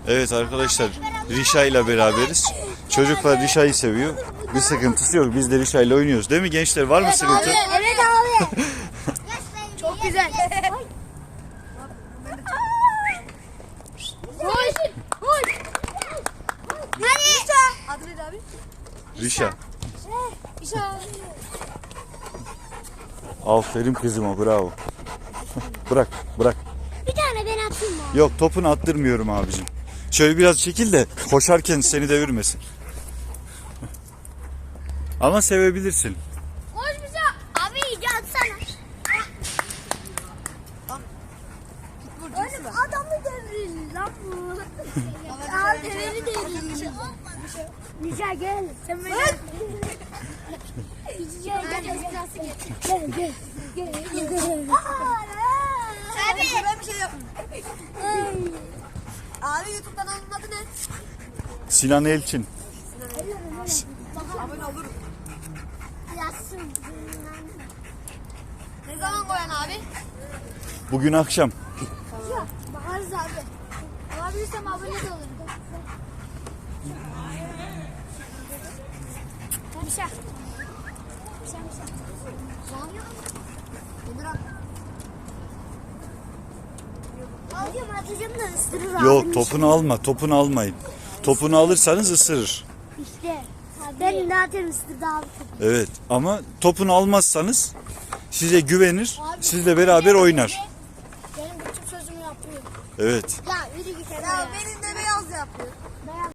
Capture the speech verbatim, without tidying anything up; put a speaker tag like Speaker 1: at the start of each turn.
Speaker 1: Evet arkadaşlar, Rişa ile beraberiz. Çocuklar Rişa'yı seviyor. Bir sıkıntısı yok. Biz de Rişa ile oynuyoruz. Değil mi gençler? Var mı sıkıntı?
Speaker 2: Evet abi. Çok güzel. Hoş. Hoş. Rişa. Adı neydi abi?
Speaker 1: Rişa.
Speaker 2: Rişa.
Speaker 1: Aferin kızıma, bravo. Bırak, bırak.
Speaker 2: Bir tane ben atayım mı?
Speaker 1: Yok, topunu attırmıyorum abicim. Şöyle biraz çekil de koşarken seni devirmesin. Ama sevebilirsin.
Speaker 2: Hoş bize. Abi iyice atsana. Oğlum adamı devirir lan bu. Abi deviri devirir. Rişa gel. Sen beni. Gel gel gel. Gel gel. Gel. Abi. Ben bir şey yapayım. Abi YouTube'dan onun adı ne?
Speaker 1: Sinan Elçin.
Speaker 2: Abone olurum. Ne zaman koyan abi?
Speaker 1: Bugün akşam.
Speaker 2: Tamam. Bakarız abi. Olabilirsem abone de olurum. Hadi şah. Şah şah. Nedir abi? Alıyorum atacağım da ısırır abi.
Speaker 1: Yok, topunu alma, topunu almayın. Topunu alırsanız ısırır.
Speaker 2: İşte. Ben zaten ısırdı abi.
Speaker 1: Evet, ama topunu almazsanız size güvenir, sizle beraber oynar.
Speaker 2: Benim bütün sözümü yapıyor.
Speaker 1: Evet.
Speaker 2: Ya yürü git. Ya benim